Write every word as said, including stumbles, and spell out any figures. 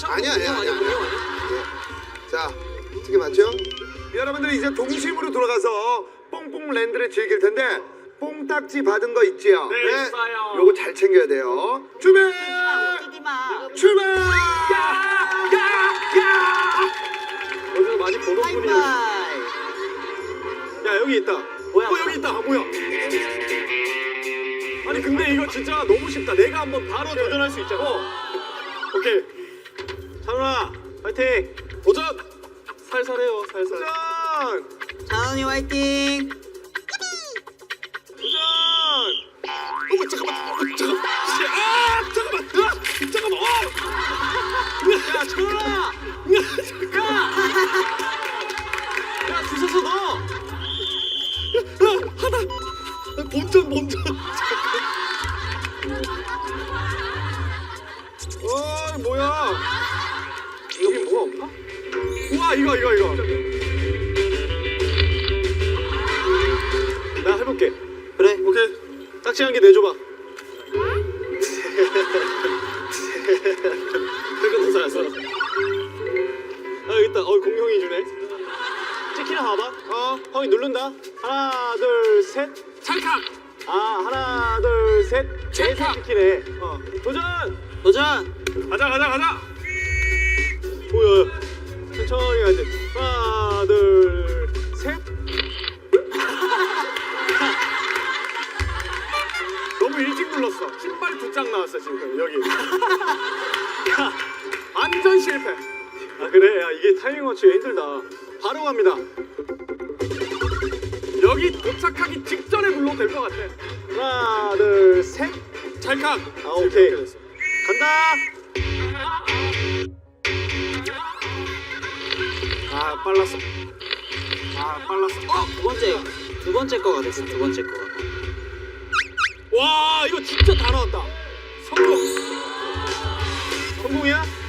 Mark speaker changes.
Speaker 1: 아니야 아니야 아니야.
Speaker 2: 공룡 아니야?
Speaker 1: 네. 자, 어떻게 맞죠? 여러분들 이제 동심으로 돌아가서 뽕뽕랜드를 즐길 텐데 뽕딱지 받은 거 있지요?
Speaker 2: 네, 있어요.
Speaker 1: 요거 잘 챙겨야 돼요. 출발!
Speaker 3: 웃기지 마.
Speaker 1: 출발!
Speaker 2: 어디서 많이 보던 분이.
Speaker 3: 하이파이.
Speaker 2: 야 여기 있다.
Speaker 3: 뭐야?
Speaker 2: 어 여기 있다. 아, 뭐야? 아니 근데 이거 진짜 너무 쉽다. 내가 한번 바로 도전할 수 있잖아. 어. 오케이. 찬훈아, 파이팅. 도전. 살살해요, 살살. 도전.
Speaker 3: 자은이 화이팅.
Speaker 2: 도전. 어머 잠깐만. 어, 잠깐만. 아 잠깐만. 아, 잠깐만. 어. 야 찬훈아. 야. 야 주워서 넣어. 야 하나. 본전 본전. 어 뭐야? 여기 뭐가 없나? 우와 이거 이거 이거. 나 해볼게.
Speaker 3: 그래.
Speaker 2: 오케이. 딱지 한 개 내줘봐. 그거 잘했어. 아 여기 있다. 어 공룡이 주네. 찍히나 봐봐. 어 형이 누른다. 하나 둘 셋. 찰칵. 아 하나 둘 셋. 찰칵. 찍히네. 어 도전.
Speaker 3: 도전.
Speaker 2: 가자 가자 가자. 뭐야? 천천히 가야지. 하나 둘 셋. 너무 일찍 눌렀어. 신발 두 장 나왔어 지금 여기. 야, 완전 실패. 아 그래? 야 이게 타이밍 맞추기 힘들다. 바로 갑니다. 여기 도착하기 직전에 눌러도 될 것 같아. 하나 둘 셋. 찰칵. 아 오케이. 간다. 아 빨랐어. 아 빨랐어.
Speaker 3: 어, 두 번째. 두 번째 거가 됐어. 두 번째 거가.
Speaker 2: 와 이거 진짜 다 나왔다. 성공. 성공이야?